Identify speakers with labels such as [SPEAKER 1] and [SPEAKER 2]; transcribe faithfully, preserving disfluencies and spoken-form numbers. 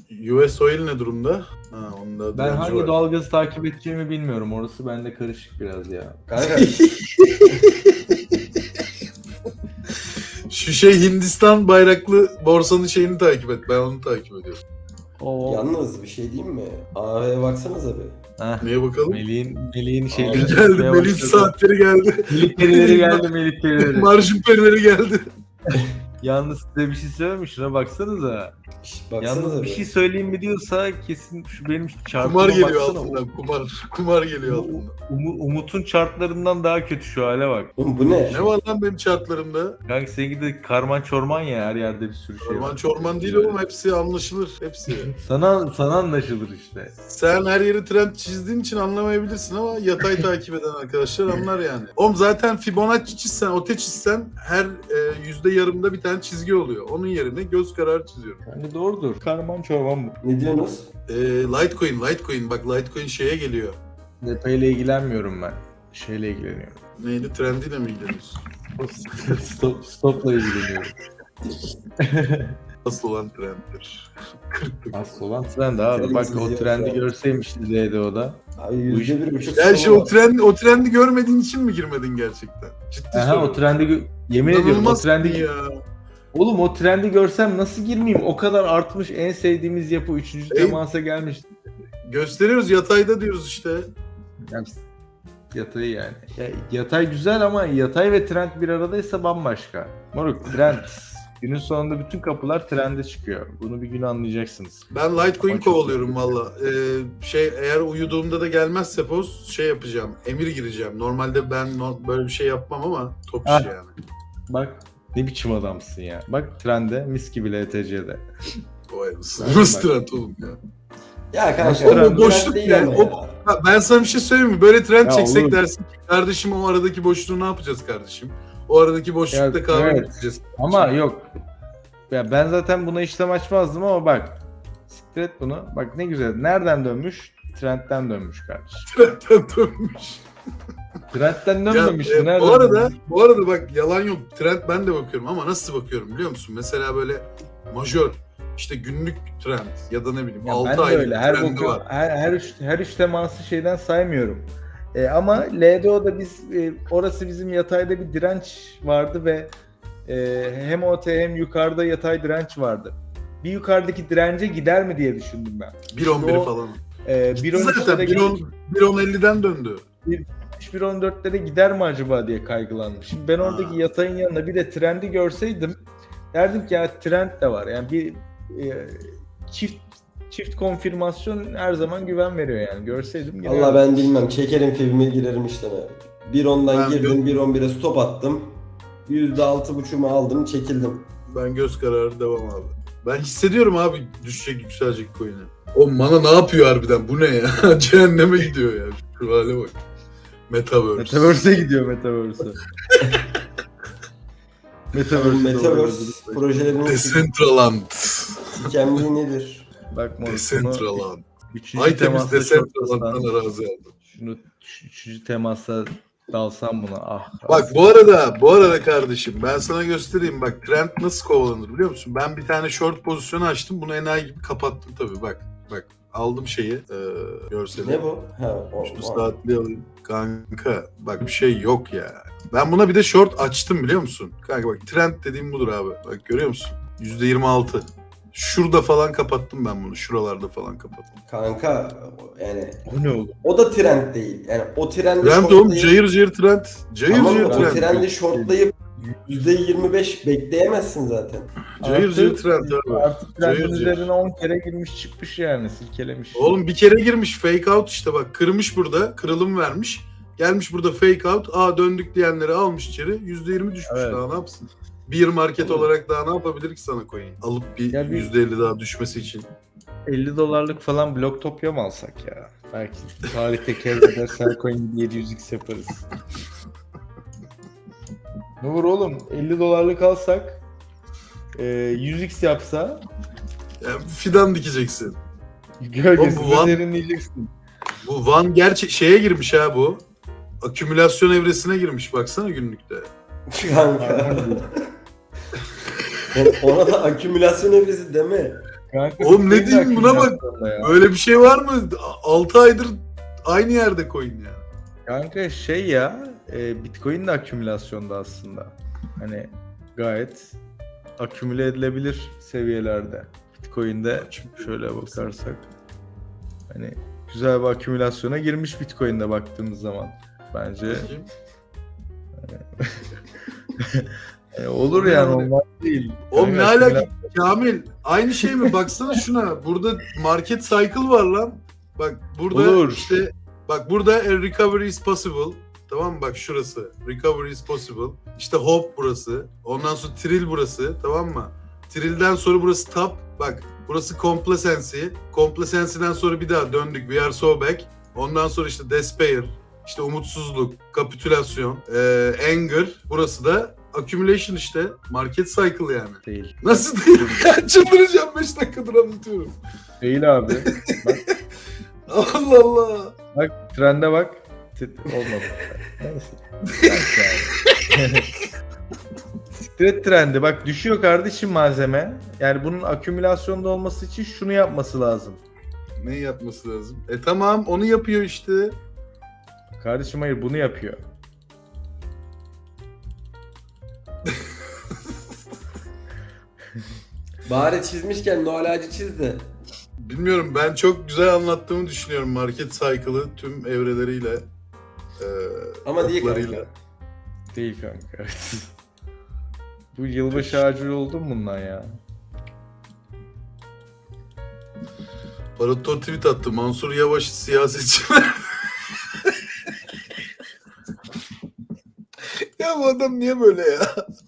[SPEAKER 1] U S Oil ne durumda? Ha, onda
[SPEAKER 2] Ben
[SPEAKER 1] direnci
[SPEAKER 2] hangi
[SPEAKER 1] var.
[SPEAKER 2] doğalgazı takip edeceğimi bilmiyorum. Orası bende karışık biraz ya.
[SPEAKER 3] Kanka
[SPEAKER 1] Şu şey Hindistan bayraklı borsanın şeyini takip et. Ben onu takip ediyorum.
[SPEAKER 2] Oo.
[SPEAKER 3] yalnız bir şey diyeyim mi? A V'ye baksanıza bir.
[SPEAKER 2] Heh.
[SPEAKER 1] Neye bakalım?
[SPEAKER 2] Melih'in Melih'in şeyleri
[SPEAKER 1] Geldi.
[SPEAKER 2] tutmaya
[SPEAKER 1] Melih
[SPEAKER 2] başladı.
[SPEAKER 1] saatleri geldi.
[SPEAKER 2] Melih perileri geldi, Melih perileri.
[SPEAKER 1] Marjin perileri geldi.
[SPEAKER 2] Yalnız size bir şey söyleyeyim, şuna baksanıza.
[SPEAKER 3] Şş, baksanıza
[SPEAKER 2] Yalnız bir
[SPEAKER 3] bir.
[SPEAKER 2] şey söyleyeyim mi diyorsa kesin şu benim çarpıma
[SPEAKER 1] Kumar geliyor
[SPEAKER 2] baksana.
[SPEAKER 1] altından. Kumar. Kumar geliyor altından.
[SPEAKER 2] Umu- Umut'un chartlarından daha kötü şu hale bak.
[SPEAKER 3] Oğlum bu ne?
[SPEAKER 1] Ne var lan benim chartlarımda?
[SPEAKER 2] Kanka seninki de karman çorman ya, her yerde bir sürü şey
[SPEAKER 1] Orman
[SPEAKER 2] var.
[SPEAKER 1] çorman değil oğlum. Hepsi anlaşılır. Hepsi.
[SPEAKER 2] Sana sana anlaşılır işte.
[SPEAKER 1] Sen her yeri trend çizdiğin için anlamayabilirsin ama yatay takip eden arkadaşlar anlar yani. Oğlum zaten Fibonacci çizsen, ote çizsen her e, yüzde yarımda bir tane çizgi oluyor. Onun yerine göz kararı çiziyorum.
[SPEAKER 2] Yani doğrudur. Karman çorman bu.
[SPEAKER 3] Ne diyorsunuz?
[SPEAKER 1] E, Litecoin, Litecoin. Bak Litecoin şeye geliyor.
[SPEAKER 2] Detayla ilgilenmiyorum ben. Şeyle ilgileniyorum.
[SPEAKER 1] Neydi? Trendiyle mi ilgileniyorsun?
[SPEAKER 2] Stop, stopla ilgileniyorum.
[SPEAKER 1] Asıl olan trenddir. kırk
[SPEAKER 2] Asıl olan trend abi. Bak o trendi görseymişiz L D O'da.
[SPEAKER 3] Abi yüzde bir buçuk
[SPEAKER 1] Ya şey
[SPEAKER 3] sonu
[SPEAKER 1] o
[SPEAKER 3] var.
[SPEAKER 1] trend o trendi görmediğin için mi girmedin gerçekten? Ciddi
[SPEAKER 2] Aha
[SPEAKER 1] soruyorum.
[SPEAKER 2] o trendi gö- yemin ediyorum o
[SPEAKER 1] İnanılmaz
[SPEAKER 2] trendi
[SPEAKER 1] ya.
[SPEAKER 2] Oğlum o trendi görsem nasıl girmeyeyim? O kadar artmış, en sevdiğimiz yapı üçüncü
[SPEAKER 1] Ey-
[SPEAKER 2] temasa gelmiş.
[SPEAKER 1] Gösteriyoruz yatayda diyoruz işte.
[SPEAKER 2] Yani yatay yani. Ya, yatay güzel ama yatay ve trend bir aradaysa bambaşka. Moruk trend. Günün sonunda bütün kapılar trende çıkıyor. Bunu bir gün anlayacaksınız.
[SPEAKER 1] Ben Litecoin
[SPEAKER 2] Ama çok
[SPEAKER 1] kovalıyorum valla. Ee, şey eğer uyuduğumda da gelmezse post şey yapacağım. Emir gireceğim. Normalde ben no- böyle bir şey yapmam ama top
[SPEAKER 2] Ah.
[SPEAKER 1] işi yani.
[SPEAKER 2] Bak ne biçim adamsın ya. Bak trende mis gibi L T C'de.
[SPEAKER 1] Vay mısın?
[SPEAKER 2] Bak,
[SPEAKER 1] Nasıl
[SPEAKER 2] bak.
[SPEAKER 1] trend oğlum ya?
[SPEAKER 3] Ya kanka.
[SPEAKER 2] Nasıl
[SPEAKER 3] bu
[SPEAKER 2] trend?
[SPEAKER 3] trend
[SPEAKER 1] Boşluk
[SPEAKER 3] değil
[SPEAKER 1] ya,
[SPEAKER 3] ama
[SPEAKER 1] o- Ha, ben sana bir şey söyleyeyim mi? Böyle trend
[SPEAKER 2] Ya
[SPEAKER 1] çeksek
[SPEAKER 2] oğlum.
[SPEAKER 1] dersin ki kardeşim o aradaki boşluğu ne yapacağız kardeşim? O aradaki boşlukta
[SPEAKER 2] Ya,
[SPEAKER 1] kahve
[SPEAKER 2] evet.
[SPEAKER 1] içeceğiz.
[SPEAKER 2] Ama yok. Ya ben zaten buna işlem açmazdım ama bak. Siktir et bunu. Bak ne güzel. Nereden dönmüş? Trendten dönmüş kardeşim.
[SPEAKER 1] Trendten dönmüş.
[SPEAKER 2] Trendten
[SPEAKER 1] Ya,
[SPEAKER 2] dönmemiş.
[SPEAKER 1] e,
[SPEAKER 2] Nereden
[SPEAKER 1] bu arada
[SPEAKER 2] dönmüş?
[SPEAKER 1] bu arada bak yalan yok. Trend ben de bakıyorum ama nasıl bakıyorum biliyor musun? Mesela böyle majör işte günlük trend ya da ne bileyim
[SPEAKER 2] Ya
[SPEAKER 1] altı
[SPEAKER 2] ben de
[SPEAKER 1] aylık
[SPEAKER 2] öyle. Her
[SPEAKER 1] trendi
[SPEAKER 2] boku,
[SPEAKER 1] var.
[SPEAKER 2] her her üç her üç teması şeyden saymıyorum. E, ama L D O'da biz e, orası bizim yatayda bir direnç vardı ve e, hem O T hem yukarıda yatay direnç vardı. Bir yukarıdaki dirence gider mi diye düşündüm ben.
[SPEAKER 1] bir on bir
[SPEAKER 2] o-
[SPEAKER 1] falan.
[SPEAKER 2] E, bir on
[SPEAKER 1] Zaten
[SPEAKER 2] üçlere
[SPEAKER 1] bir on bir on elliden döndü.
[SPEAKER 2] bir on dörtlere gider mi acaba diye kaygılandım. Şimdi ben oradaki
[SPEAKER 1] Ha.
[SPEAKER 2] yatayın yanında bir de trendi görseydim derdim ki ya trend de var. Yani bir e, çift çift konfirmasyon her zaman güven veriyor yani. Görseydim yine
[SPEAKER 3] Allah ben bilmem. Çekerim filmi girerim işte. bir ondan
[SPEAKER 1] Ben
[SPEAKER 3] girdim,
[SPEAKER 1] gö-
[SPEAKER 3] bir on bire stop attım. yüzde altı buçuğumu aldım, çekildim.
[SPEAKER 1] Ben göz kararı devam abi. Ben hissediyorum abi düşecek yükselecek coin'e. O mana ne yapıyor harbiden? Bu ne ya? Cehenneme gidiyor ya. Şu hale bak. Metaverse.
[SPEAKER 2] Metaverse'e gidiyor Metaverse'e. Metaverse'e
[SPEAKER 3] Metaverse
[SPEAKER 2] doğru.
[SPEAKER 3] projelerinin
[SPEAKER 1] Decentraland.
[SPEAKER 3] hikemliği nedir?
[SPEAKER 2] Bak moruk bunu
[SPEAKER 1] Decentraland.
[SPEAKER 2] üçüncü
[SPEAKER 1] Ay temiz
[SPEAKER 2] temasta
[SPEAKER 1] Decentraland'dan
[SPEAKER 2] şortlasan,
[SPEAKER 1] arazi aldım.
[SPEAKER 2] şunu üç- üçüncü temasta dalsam buna ah.
[SPEAKER 1] Bak bu arada, bu arada kardeşim ben sana göstereyim bak trend nasıl kovalanır biliyor musun? Ben bir tane short pozisyonu açtım bunu enayi gibi kapattım tabii bak. Bak aldım şeyi e, görseli.
[SPEAKER 3] Ne bu? Ha, o,
[SPEAKER 1] Şu
[SPEAKER 3] o.
[SPEAKER 1] saatli alayım. Kanka bak bir şey yok ya. Ben buna bir de short açtım biliyor musun? Kanka bak trend dediğim budur abi. Bak görüyor musun? yüzde yirmi altı. Şurada falan kapattım ben bunu. Şuralarda falan kapattım.
[SPEAKER 3] Kanka yani
[SPEAKER 2] O ne oğlum?
[SPEAKER 3] o da trend değil. Yani o trendi
[SPEAKER 1] Trend oğlum
[SPEAKER 3] shortlayıp-
[SPEAKER 1] cayır cayır trend. Cayır
[SPEAKER 3] Tamam,
[SPEAKER 1] cayır
[SPEAKER 3] o
[SPEAKER 1] trend.
[SPEAKER 3] trendi shortlayıp yüzde yirmi beş bekleyemezsin zaten.
[SPEAKER 1] Cayır
[SPEAKER 2] Artı-
[SPEAKER 1] cayır trend abi.
[SPEAKER 2] Artık trendin
[SPEAKER 1] Cayır cayır.
[SPEAKER 2] üzerine on kere girmiş çıkmış yani silkelemiş.
[SPEAKER 1] Oğlum bir kere girmiş fake out işte bak kırmış burada kırılım vermiş. Gelmiş burada fake out. Aa döndük diyenleri almış içeri. yüzde yirmi düşmüş
[SPEAKER 2] Evet.
[SPEAKER 1] daha ne yapsın? Bir market olarak daha ne yapabilir ki sana coin? Alıp bir
[SPEAKER 2] Ya bir-
[SPEAKER 1] yüzde elli daha düşmesi için.
[SPEAKER 2] elli dolarlık falan Blocktopia mı alsak ya? Belki tarihte Kevrede Selcoin yedi yüz x yaparız. Ne olur oğlum elli dolarlık alsak e, yüz x yapsa
[SPEAKER 1] Yani fidan dikeceksin.
[SPEAKER 2] gölgesinde
[SPEAKER 1] Oğlum bu Van-
[SPEAKER 2] serinleyeceksin.
[SPEAKER 1] Bu Van gerçek şeye girmiş ha bu. Akümülasyon evresine girmiş baksana günlükte.
[SPEAKER 3] Kanka. Yani ona da akümülasyon evresi deme.
[SPEAKER 2] Kanka,
[SPEAKER 1] Oğlum ne
[SPEAKER 2] Bitcoin de
[SPEAKER 1] diyeyim buna bak.
[SPEAKER 2] akümülasyonda ya.
[SPEAKER 1] Böyle bir şey var mı? altı aydır aynı yerde coin ya.
[SPEAKER 2] Kanka şey ya, e, Bitcoin de akümülasyonda aslında. Hani gayet akümüle edilebilir seviyelerde. Bitcoin'de şöyle bakarsak hani güzel bir akümülasyona girmiş Bitcoin'de baktığımız zaman bence.
[SPEAKER 1] Bakayım.
[SPEAKER 2] E, olur yani, olmaz değil.
[SPEAKER 1] Oğlum ne
[SPEAKER 2] Kanka,
[SPEAKER 1] alaka Kamil? Aynı şey mi? Baksana şuna. Burada market cycle var lan. Bak burada
[SPEAKER 2] Olur.
[SPEAKER 1] işte bak burada a recovery is possible. Tamam mı? Bak şurası. Recovery is possible. İşte hope burası. Ondan sonra trill burası. Tamam mı? Trill'den sonra burası top. Bak burası complacency. Complacency'den sonra bir daha döndük. We are so back. Ondan sonra işte despair. İşte umutsuzluk, kapitülasyon, eee, anger. Burası da accumulation işte. Market cycle yani.
[SPEAKER 2] Değil.
[SPEAKER 1] Nasıl değil? Ya çıldıracağım beş dakikadır anlatıyorum.
[SPEAKER 2] Değil abi. Bak,
[SPEAKER 1] Allah Allah.
[SPEAKER 2] bak trende bak. T- Olmadı. Neyse. Bak yani. Stret trendi. Bak düşüyor kardeşim malzeme. Yani bunun akümülasyonda olması için şunu yapması lazım.
[SPEAKER 1] Ne yapması lazım? E tamam onu yapıyor işte.
[SPEAKER 2] Kardeşim hayır, bunu yapıyor.
[SPEAKER 3] Bari çizmişken no alacı çiz de.
[SPEAKER 1] Bilmiyorum ben çok güzel anlattığımı düşünüyorum market cycle'ı tüm evreleriyle. E,
[SPEAKER 3] Ama değil
[SPEAKER 1] oklarıyla.
[SPEAKER 3] kanka.
[SPEAKER 2] Değil kanka. Bu yılbaşı ağacı oldu mu bundan ya?
[SPEAKER 1] Barator tweet attı. Mansur Yavaş siyasetçiler. Ya bu adam niye böyle ya?